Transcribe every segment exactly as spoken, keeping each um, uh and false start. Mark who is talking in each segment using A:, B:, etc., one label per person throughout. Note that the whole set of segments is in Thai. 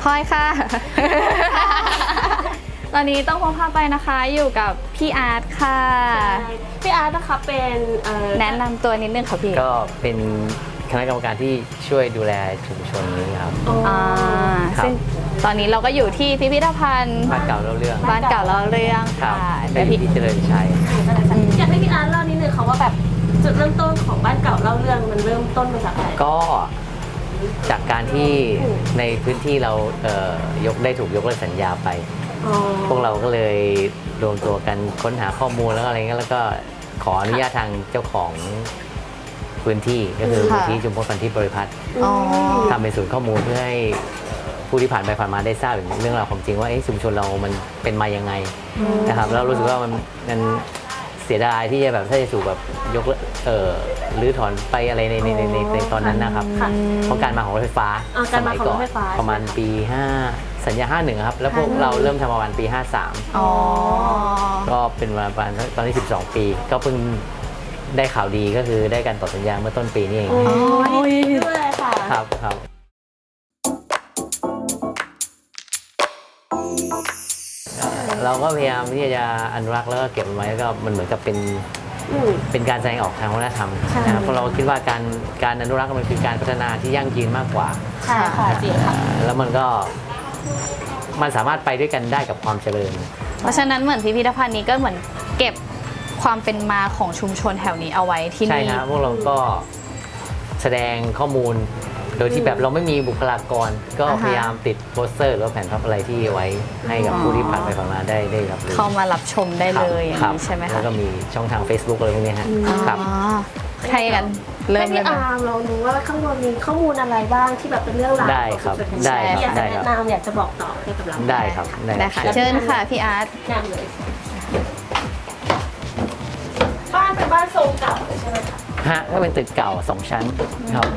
A: พลอยค่ะ ตอนนี้ต้องพงพาไปนะคะอยู่กับพี่อาร์ตค่ะ
B: พี่อาร์ตนะคะเป็น
A: แนะนำตัวนิดนึงค่ะพี่
C: ก็เป็นคณะกรรมการที่ช่วยดูแลชุมชนนี้ครับ
A: อ่าซึ่งตอนนี้เราก็อยู่ที่พิพิธภัณฑ์
C: บ้านเก่าเล่าเรื่อง
A: บ้านเก่าเล่าเรื่องค่ะ
C: เดี๋ยวพี่เจริญชัย
B: อยากให้พี่อาร์ตเล่านิดนึงค่ะว่าแบบจุดเริ่มต้นของบ้านเก่าเล่าเรื่องมันเริ่มต้นมาจากอะไร
C: ก็จากการที่ในพื้นที่เราเอ่อยกได้ถูกยกเลิกสัญญาไปพวกเราก็เลยรวมตัวกันค้นหาข้อมูลแล้วอะไรเงี้ยแล้วก็ขออนุญาตทางเจ้าของพื้นที่ก็คือพื้นที่ชุมพลพันธิบริพัตรทำเป็นศูนย์ข้อมูลเพื่อให้ผู้ที่ผ่านไปผ่านมาได้ทราบเรื่องราวของจริงว่าชุมชนเรามันเป็นมายังไงนะครับแล้วรู้สึกว่ามันมันเสียดายที่จะแบบถ้าจะสู่แบบยกเอ่อรื้อถอนไปอะไรในในในในตอนนั้นนะครับเพราะการมาของรถไฟฟ้าสมัยก่อนประมาณปีห้าสัญญาห้าหนึ่งครับแล้วพวกเราเริ่มทำประมาณปีห้าสามก็เป็นประมาณตอนนี้สิบสองปีก็เพิ่งได้ข่าวดีก็คือได้การต่อสัญญาเมื่อต้นปีนี้เอง
B: อ๋อดีด้วยค่ะ
C: ครับครับเราก็พยายามที่จะอนุรักษ์แล้วก็เก็บมันไว้แล้วก็มันเหมือนกับเป็นเป็นการแสดงออกทางวัฒนธรรมนะครับเพราะเราคิดว่าการการอนุรักษ์มันคือการพัฒนาที่ยั่งยืนมากกว่า
B: ใช่ค่ะจริงค่ะ
C: แล้วมันก็มันสามารถไปด้วยกันได้กับความเจริญ
A: เพราะฉะนั้นเหมือนพิพิธภัณฑ์นี้ก็เหมือนเก็บความเป็นมาของชุมชนแถวนี้เอาไว้ที่นี่
C: ใช่ครับพวกเราก็แสดงข้อมูลโดยที่แบบเราไม่มีบุคลากรก็พยายามติดโปสเตอร์หรือแผ่นพับอะไรที่ไว้ให้กับผู้ที่ผ่านไปผ่านมาได้ได้รับรู้
A: เข้ามารับชมได้เลยอย่างนี้ใช่ไหมคะ
C: แล้วก็มีช่องทาง Facebook อะไรพวกนี้ฮะครับ
A: ใช่กันเริ่มเลย
B: พี่อาร์มเราดูว่าข้างบนมีข้อมูลอะไรบ้างที่แบบเป็นเรื่องราว
C: ได้ครับได้ครับ
B: อยากจะแนะนำอยากจะบอกต่อให้กับเรา
C: ได้ครับ
A: ได้ค่ะเชิญค่ะพี่อาร์ต
B: แนะนำเลยบ้านเป็นบ้านทรงเก่าใช่ไหมคะ
C: ฮะก็เป็นตึกเก่าสองชั้นครับ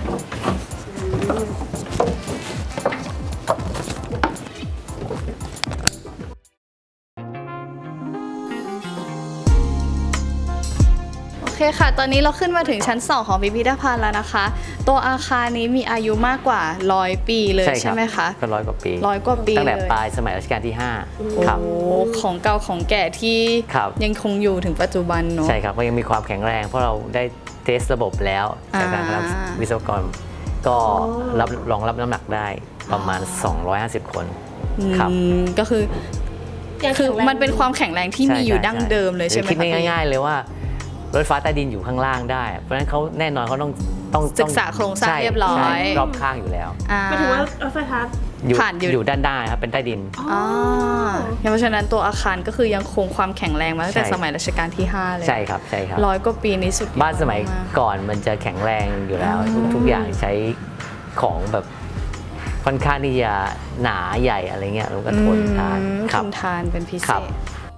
A: โอเคค่ะตอนนี้เราขึ้นมาถึงชั้นสองของพิพิธภัณฑ์แล้วนะคะตัวอาคารนี้มีอายุมากกว่าร้อยปีเลยใช่ไหมคะ
C: ก็ร้อยกว่าปี
A: ร้อยกว่าปี
C: ตั้งแต่ปลายสมัยรัชกาลที่ห้า
A: ครับของเก่าของแก่ที่ยังคงอยู่ถึงปัจจุบันเนาะ
C: ใช่ครับก็ยังมีความแข็งแรงเพราะเราได้เทสระบบแล้วจากการรับวิศวกรก็รับรองรับน้ำหนักได้ประมาณสองร้อยห้าสิบคนครับ
A: ก็คือคือมันเป็นความแข็งแรงที่มีอยู่ดั้งเดิมเลยใช่ไหม
C: คิดง่ายๆเลยว่ารถไฟฟ้าใต้ดินอยู่ข้างล่างได้เพราะฉะนั้นเขาแน่นอนเขาต้องต้อง
A: ศึกษาโครงสร้างเรียบร้อย
C: รอบข้างอยู่แล้ว
B: หมายถึงว่ารถไฟฟ้า
A: ผ่าน
C: อยู่ด้านด้านครับเป็นใต้ดิน
A: อ๋อเพราะฉะนั้นตัวอาคารก็คือยังคงความแข็งแรงมาตั้งแต่สมัยรัชกาลที่ห้าเลย
C: ใช่ครับใช่ครับ
A: ร้อยกว่าปีนี้สุด
C: บ้านสมัยก่อนมันจะแข็งแรงอยู่แล้วทุกอย่างใช้ของแบบค่อนข้างที่จะหนาใหญ่อะไรเงี้ยแล้วก็ทนทาน
A: ทนทานเป็นพิเศษ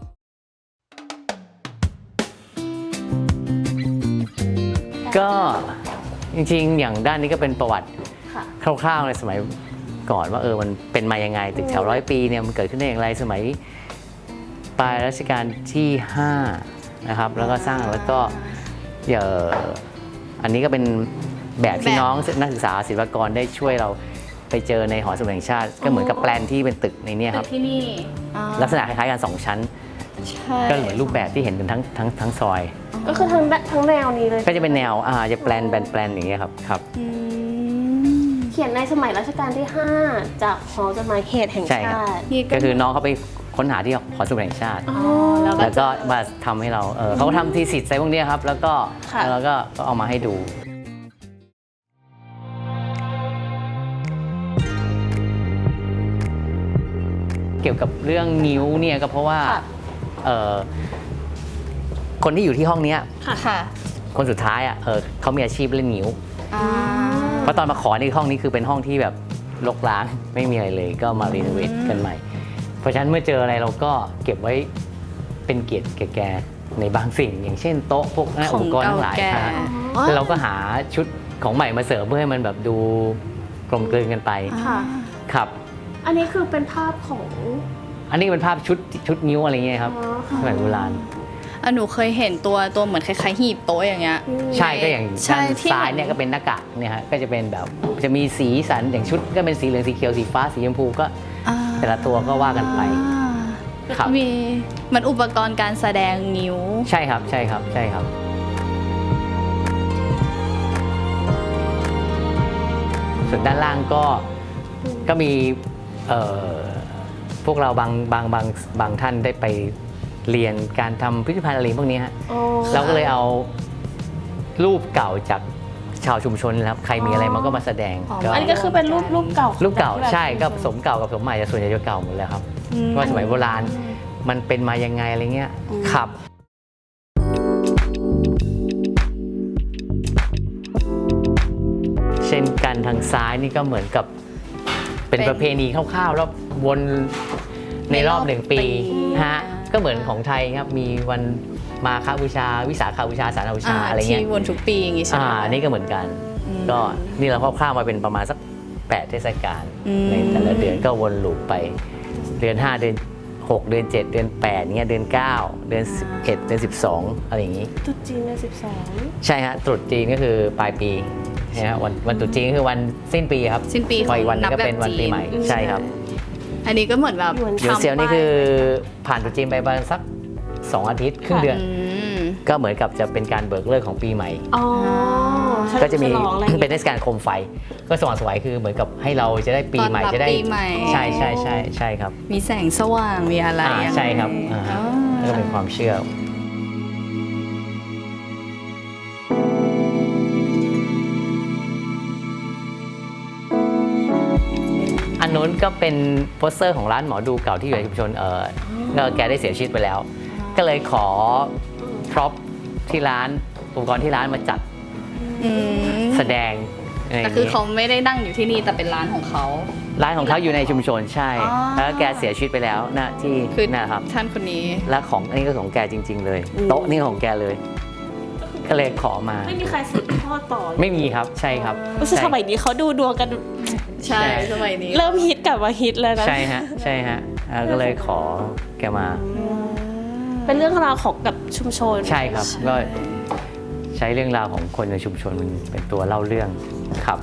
C: ก็จริงๆอย่างด้านนี้ก็เป็นประวัติคร่าวๆในสมัยก่อนว่าเออมันเป็นมายังไงตึกแถวร้อยปีเนี่ยมันเกิดขึ้นได้อย่างไรสมัยปลายรัชกาลที่ห้านะครับแล้วก็สร้างแล้วก็เอ่ออันนี้ก็เป็นแบบที่น้องนักศึกษาศิลปากรได้ช่วยเราไปเจอในหอสมุดแห่งชาติก็เหมือนกับแปลนที่เป็นตึกในนี้ครับ
A: ที่นี่
C: ลักษณะคล้ายๆกันสองชั้นก็เหมือนรูปแบบที่เห็นกันทั้งทั้งทั้งซอย
B: ก็คือทั้งทั้งแนวนี้เลย
C: ก็จะเป็นแนวอ่าจะแปลนแบนแปลนอย่างเงี้ยครับครับ
B: เขียนในสมัยรัชกาลที่ห้าจากหอจดหมายเหตุแห่งชาติ
C: ก็คือน้องเขาไปค้นหาที่หอสมุดแห่งชาติแล้วก็มาทำให้เราเออเขาก็ทำทีสิทธิ์อะไรพวกนี้ครับแล้วก็แล้วก็เอามาให้ดูเกี่ยวกับเรื่องนิ้วเนี่ยก็เพราะว่าคนที่อยู่ที่ห้องนี้คนสุดท้ายอ่ะเขามีอาชีพเล่นนิ้วเพราะตอนมาขอในห้องนี้คือเป็นห้องที่แบบรกร้างไม่มีอะไรเลยก็มารีโนเวทกันใหม่เพราะฉะนั้นเมื่อเจออะไรเราก็เก็บไว้เป็นเกียรติแก่ๆในบางสิ่งอย่างเช่นโต๊ะพวกอุปกรณ์ทั้งหลายแล้วเราก็หาชุดของใหม่มาเสริมเพื่อให้มันแบบดูกลมกลืนกันไปครับ
B: อันนี้คือเป็นภาพของ
C: อันนี้เป็นภาพชุดชุดนิ้วอะไรเงี้ยครับสมัยโบราณ
A: อ่ะหนูเคยเห็นตัวตัวเหมือนคล้ายๆหีบโต๊ะอย่างเงี้ย
C: ใช่ก็อย่าง
A: ใช่
C: ด้าน
A: ที่
C: ซ้ายเนี่ยก็เป็นหน้ากากเนี่ยฮะก็จะเป็นแบบจะมีสีสันอย่างชุดก็เป็นสีเหลืองสีเขียวสีฟ้าสีชมพูก็
A: อ่า
C: แต่ละตัวก็ว่ากันไป ครับ
A: มีมันอุปกรณ์การแสดงนิ้ว
C: ใช่ครับใช่ครับใช่ครับส่วนด้านล่างก็ก็มีเอ่อพวกเราบางบางบางบางท่านได้ไปเรียนการทำพิพิธภัณฑ์อะไรพวกนี้ฮะ
B: อ๋อ
C: เราก็เลยเอารูปเก่าจากชาวชุมชนนะครับใครมีอะไรมันก็มาแสดง
A: อ๋อ
C: ก็
B: อันนี้ก็คือเป็นรูปรูปเก่า
C: รูปเก่า
B: แบบ
C: ใช่ก็ผสมเก่ากับผสมใหม่แต่ส่วนใหญ่จะเก่าหมดแล้วครับ
A: อืม
C: ว่าสมัยโบราณมันเป็นมายังไงอะไรเงี้ยครับเช่นกันทางซ้ายนี่ก็เหมือนกับเป็น
A: เป็น
C: ประเพณีคร่าวๆแล้ววนในรอบหนึ่งปี
A: ปี
C: ฮะก็เหมือนของไทยครับมีวันมาฆบูชา วิสาขบูชาสารบูชาอะไรเงี้ย
A: ที่วนทุกปีอย่างงี้ใช่ไหม
C: อ่า
A: คะ
C: นี่ก็เหมือนกัน
A: อืม
C: ก็นี่เราคร่าวๆมาเป็นประมาณสักแปดเทศกาล
A: อืม
C: ในแต่ละเดือนก็วนลูปไปเดือนห้าเดือนหกเดือนเจ็ดเดือนแปดเงี้ยเดือนเก้าเดือนสิบเอ็ดเดือนสิบสองอะไรอย่างงี้
B: ตุ๊จีนในสิบสอง
C: ใช่ฮะตรุษจีนก็คือปลายปีนะฮะวันวันตรุษจีนก็คือวันสิ้นปีครับ
A: สิ้นปี
C: พออีกวันหนึ
A: นั
C: ง
A: บ
C: ก็
A: แบบ
C: เป็นวัน
A: จี
C: ปี
A: น
C: ใหม่ใช่ครับ
A: อันนี้ก็เหมือนแบบ
C: เดี๋ยว
A: ทำ
C: เซียวนี่
A: ไป
C: คือผ่านตรุษจีนไปประมาณสักสองอาทิตย์ครึ่งเดือน
A: อืม
C: ก็เหมือนกับจะเป็นการเบิกเลิกของปีใหม่
B: อ๋อ
C: ก็จะมี
B: ฉลองอะไรอย่าง
C: เป็น
B: งี้
C: เทศกาลโคมไฟ ก็สว่างไสวยคือเหมือนกับให้เราจะได้ปีใหม่
A: ต้อนรับ
C: จะได้
A: ปีใหม่
C: ใช่ใช่ใช่ใช่ครับ
A: มีแสงสว่างมีอะไร
C: อ่า
A: ยังไง
C: ใช่ครับอ่าฮะ
A: อ๋อ
C: แล้วก็เป็นความเชื่อ อันนู้นก็เป็นโปสเตอร์ของร้านหมอดูเก่าที่อยู่ในชุมชนเออก็แกได้เสียชีวิตไปแล้ว ก็เลยขอพร็อพที่ร้านอุปกรณ์ที่ร้านมาจัด
A: อืม
C: แสดงะไรย่
A: แต่
C: ง
A: คือ
C: งี้
A: เขาไม่ได้นั่งอยู่ที่นี่แต่เป็นร้านของเขา
C: ร้านของเขาอยู่ในชุมชนใช่
A: อ๋อ
C: แล้วแกเสียชีวิตไปแล้วนะที่
A: คือ
C: นะครับ
A: ท่านคนนี้
C: และของอันนี้ก็ของแกจริง ๆ เลย โต๊ะนี่ของแกเลย ก็เลยขอมา
B: ไม่มีใครสืบทอดต่อ
C: ไม่มีครับใช่ครับ
B: รู้สึกสมัยนี้เขาดูดวงกัน
A: ใช่สมัยนี้
B: เริ่มฮิตกลับมาฮิตแล้วนะ
C: ใช่ฮะใช่ฮะอ่าก็เลยขอแกมา
B: เป็นเรื่องราวของกับชุมชน
C: ใช่ครับก็ใช้เรื่องราวของคนในชุมชนมันเป็นตัวเล่าเรื่องครับ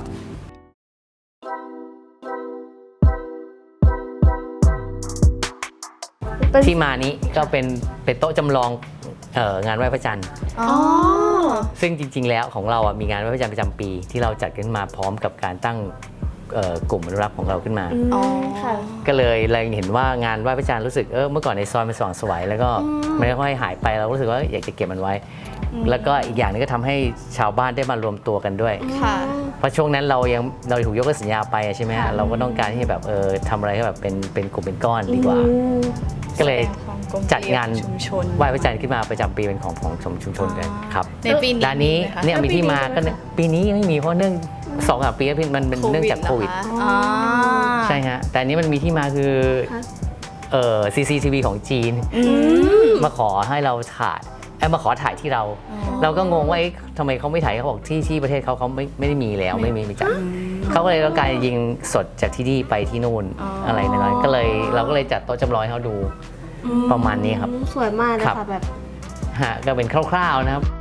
B: เป็น
C: ที่มานี้ก็เป็นเป็นโต๊ะจำลองเอ่องานไหว้พระจันทร์
A: อ๋อ
C: ซึ่งจริง ๆ แล้วของเราอ่ะมีงานไหว้พระจันทร์ประจำปี ที่เราจัดขึ้นมาพร้อมกับการตั้งเอ่อกลุ่มอนุรักษ์ของเราขึ้นมา
B: อืม
A: อ๋อ
B: ค่ะ
C: ก็เลยเราเห็นว่างานไหว้พระจันทร์รู้สึกเออเมื่อก่อนในซอยมันสว่างไสวยแล้วก็มันค่อยๆหายไปเรารู้สึกว่าอยากจะเก็บมันไว้ แล้วก็อีกอย่างหนึงก็ทำให้ชาวบ้านได้มารวมตัวกันด้วย
A: ค่ะ
C: เพราะช่วงนั้นเรายังเราถูกยกเลิกสัญญาไปอะใช่ไหมฮะเราก็ต้องการที่จะแบบเออทำอะไรให้แบบเป็นเป็นกลุ่มเป็นก้อนดีกว่า
B: อืม
C: ก็เลย
A: ความกลม
C: จัดงาน
A: ชุมชน
C: ไหว้พระจันทร์ขึ้นมาประจำปีเป็นของของชุมชนกันครับ
A: ในปีนี้
C: ร้านนี้
A: มีไหมคะ
C: เนี่ยมีที่มา
B: ปีนี้
C: ก็
B: ใช่ไหมคะ
C: ปีนี้ยังไม่มีเพราะเนื่องสองสามปีแล้วพี่มันเป็นเนื่องจากโควิด
A: เหรอคะอ๋อ
C: ใช่ฮะแต่อันนี้มันมีที่มาคือ
B: คะ
C: เอ่อ ซี ซี ที วี ของจีน
A: อืม
C: มาขอให้เราถ่ายเอ้ยมาขอถ่ายที่เรา เราก็งงว่าเอ๊ะทำไมเขาไม่ถ่ายเขาบอกที่ที่ประเทศเขาเขาไม่ไม่ได้มีแล้วไม่มีมีจัดเขาก็เลยต้องการยิงสดจากที่นี่ไปที่นู่น
A: อ๋ออ
C: อะไรนั่นก็เลยเราก็เลยจัดโต๊ะจำลองให้เขาดู ประมาณนี้ครับ
B: สวยมากนะ
C: ครั
B: คะ
C: บ
B: แบบ
C: ฮะก็เป็นคร่าวๆนะครับ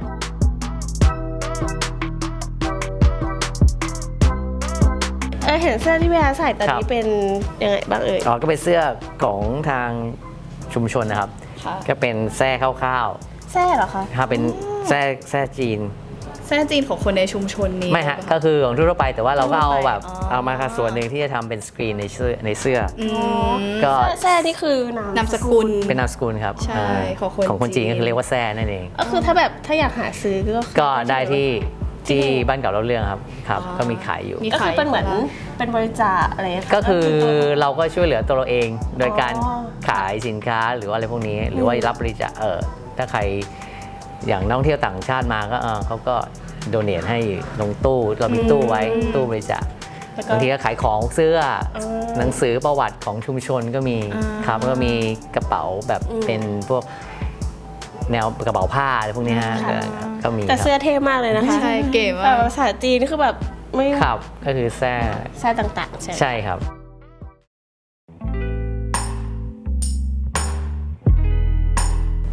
B: เออเห็นเสื้อที่พี่อาใส่ตอน
C: ครั
B: นี้
C: บ
B: เป็นยังไงบ้างเอ่ย
C: อ๋อก็เป็นเสื้อของทางชุมชนนะครับ
A: ค่ะ
C: ก็เป็นแส้คร่าว
B: แซ่เหรอคะ
C: ๆถ้าเป็นแส้แส้จีน
A: แท้จีนของคนในชุมชนนี้
C: ไม่ฮะก็คือของทั่วไปแต่ว่าเราก็เอาแบบ
A: อ๋อ
C: เอามาค่ะส่วนหนึ่งที่จะทำเป็นสกรีนในเสื้อในเสื้อ
A: อืม
C: ก็
B: แซ่นี่คือนาม
A: นามสกุล
C: เป็นนามสกุลครับ
A: ใช่
C: เออ
A: ของคน
C: ของคนจีน
A: จีน
C: ก็คือเรียกว่าแซ่นั่นเอง
B: ก็คือถ้าแบบถ้าอยากหาซื้อก็คือ
C: ก็ได้ที่ที่บ้านเก่าเราเรื่องครับครับ
A: อ๋อ
C: ก็มีขายอยู่
A: มี
B: ก็คือเป็นเหมือนเป็นบริจาคอะไระ
C: ก็คือเราก็ช่วยเหลือตัวเราเองโดยการ
B: อ๋อ
C: ขายสินค้าหรือว่าอะไรพวกนี้ หรือว่ารับบริจาคเออถ้าใครอย่างนักท่องเที่ยวต่างชาติมาก็เออเขาก็โดเนทให้ลงตู้เรามีตู้ไว้ตู้บริจาค
B: แล้วก็
C: บางทีก็ขายของเสื้อ
B: อ๋อ
C: หนังสือประวัติของชุมชนก็มี
A: อ่า
C: ครับแล้วก็มีกระเป๋าแบบ
B: อืม
C: เป็นพวกแนวกระเป๋าผ้าอะไรพวกนี้ฮะ
B: ค่ะ
C: ก็ก็มี
B: แต่
C: ครับ
B: เสื้อเท่มากเลยนะคะ
A: ใช่เก๋
B: แบ
A: มา
B: บ
A: ก
B: ภาษาจีนนี่คือแบบไม่
C: ครับก็คือแซ่
B: แซ่ต่างๆใช่ไหม
C: ใช่ครับ
B: ค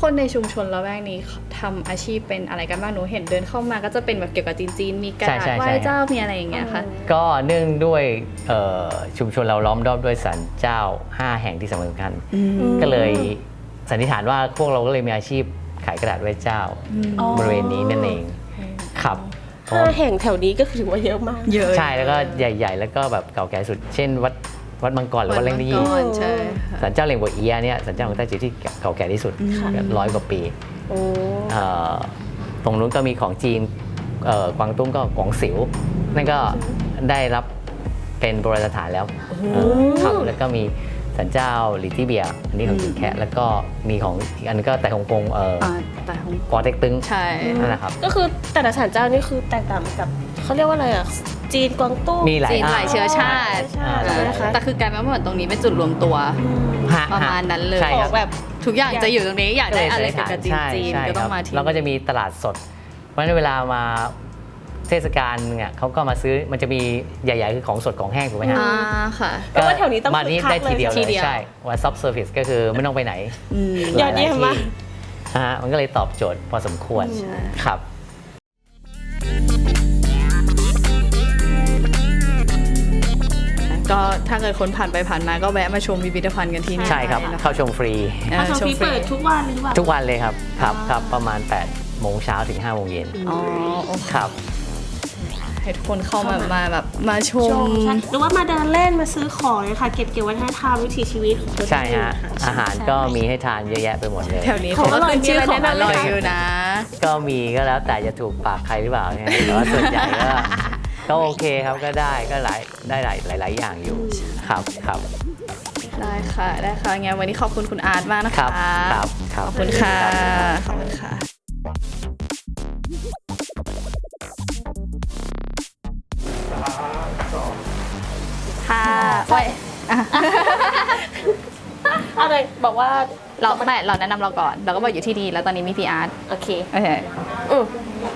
A: คนในชุมชนละแวกนี้ทำอาชีพเป็นอะไรกันบ้างหนูเห็นเดินเข้ามาก็จะเป็นแบบเกี่ยวกับจีนๆมีกระดาษไหว้เจ้ามีอะไรอย่างเงี้ยค่ะ
C: ก็เนื่องด้วยเอ่อชุมชนเราล้อมรอบด้วยศาลเจ้าห้าแห่งที่สำคัญก็เลยสันนิษฐานว่าพวกเราก็เลยมีอาชีพขายกระดาษไหว้เจ้าบริเวณนี้นั่นเองครับ
B: ห้าแห่งแถวนี้ก็ถือว่าเยอะมาก
A: เยอะ
C: ใช่แล้วก็ใหญ่ๆ แล้วก็แบบเก่าแก่สุด เช่นวัดวัดมังกรหรือวัดเล่งยี่
A: ใช่ค่ะ
C: ศาลเจ้าเหล่งบัวเอียเนี่ยศาลเจ้าของไต้จิ๋วที่เก่าแก่ที่สุดร้อยกว่าปี
B: โอ้
C: เอ่อตรงนู้นก็มีของจีนเอ่อกวางตุ้งก็กวางสิวนั่นก็ได้รับเป็นโบราณสถานแล้วเออครับแล้วก็มีศาลเจ้าหลีตี้เบียอันนี้ของจีนแคะแล้วก็มีของอีกอันนงก็แต่ฮ่องกงเอ่อ
A: อ่าแต่ของ
C: ปอเต็กตึง
A: ใช่
C: นั่นแหละครับ
B: ก็คือแต่ละศาลเจ้านี่คือแตกต่างกับเขาเรียกว่าอะไรอ่ะจีนกวางตุ้ง
C: มีหลาย
A: จีนหลายเชื้อชาติ
B: ใช่
C: อ่า
B: นะคะ
A: แต่คือกลายเป็นว่าเหมือนตรงนี้เป็นจุดรวมตัว
C: ฮะ
A: ประมาณนั้นเลย
C: ใช่
B: ข
C: ค
B: อ
C: รับ
B: งแบบ
A: ทุกอย่างจะอยู่ตรงนี้อยากได้อะไร
C: ก็
A: เกี่ยวกับจีน
C: ใช่
A: จีน
C: ใช่
A: ก็ต้อ
C: ค
A: ง
C: รับ
A: มาที่
C: แล้วก็จะมีตลาดสด เพราะฉะนั้นเวลามาเทศกาลเนี่ยเขาก็มาซื้อมันจะมีใหญ่ๆคือของสดของแห้งถูกไหมฮะ
A: อ่าค่ะ
B: แปลว่าแถวนี้ต้อง
C: มานี่
B: คึกคัก
C: ได้ทีเดียว
B: เลย
C: เล
A: ที
C: ย
A: เดียว
C: ใช่ว่าซับเซอร์วิสก็คือไม่ต้องไปไหน
A: อืม
B: ยอดเยี่ยมมาก
C: ฮะมันก็เลยตอบโจทย์พอสมควรครับ
A: ก็ถ้าเกิดคนผ่านไปผ่านมาก็แวะมาชมพิพิธภัณฑ์กันที่นี่
C: ใช่ครับ
A: ได้นะะ
C: เข้าชมฟรี
A: เออ
B: อาชม
A: ชม
B: ฟรี
A: ฟรี
B: เปิดทุกวันหรือเปล่า
C: ทุกวันเลยครับครับครับประมาณแปดโมงเช้าถึงห้าโมงเย็น
A: อ๋อโอเค
C: ครับ
A: ให้ทุกคนเข้ามามาแบบมาช
B: ช
A: ม
B: มใช่หรือว่ามาเดินเล่นมาซื้อของเลยค่ะ เก็บเกี่ยววัฒนธรรมวิถีชีวิตของคน
C: ใช่ฮะ
B: ที่นี่ค่ะ
C: อาหารก็มีให้ทานเยอะแยะไปหมดเลย
A: แถวนี้เขาก็ขึ้นชื่อของอร่อยอยู่นะ
C: ก็มีก็แล้วแต่จะถูกปากใครหรือเปล่าเนี่ยแต่ว่าส่วนใหญ่ก็ก็โอเคครับก็ได้ก็หลายได้หลายหลายหลายอย่างอยู่ครับครับ
A: ได้ค่ะได้ค่ะงั้นวันนี้ขอบคุณคุณอาร์ตมากนะ
C: ครั
A: คะ
C: บครับครับ
A: ขอบคุณค่ะขอบคุณค่ะค่ะไว้อ่ะ
B: เอาเลยบอกว่า
A: เราไม่เราแนะนำเราก่อน เราก็บอกอยู่ที่ดีแล้วตอนนี้มีพี่อาร์ต
B: โอเค
A: โอเค
B: อืม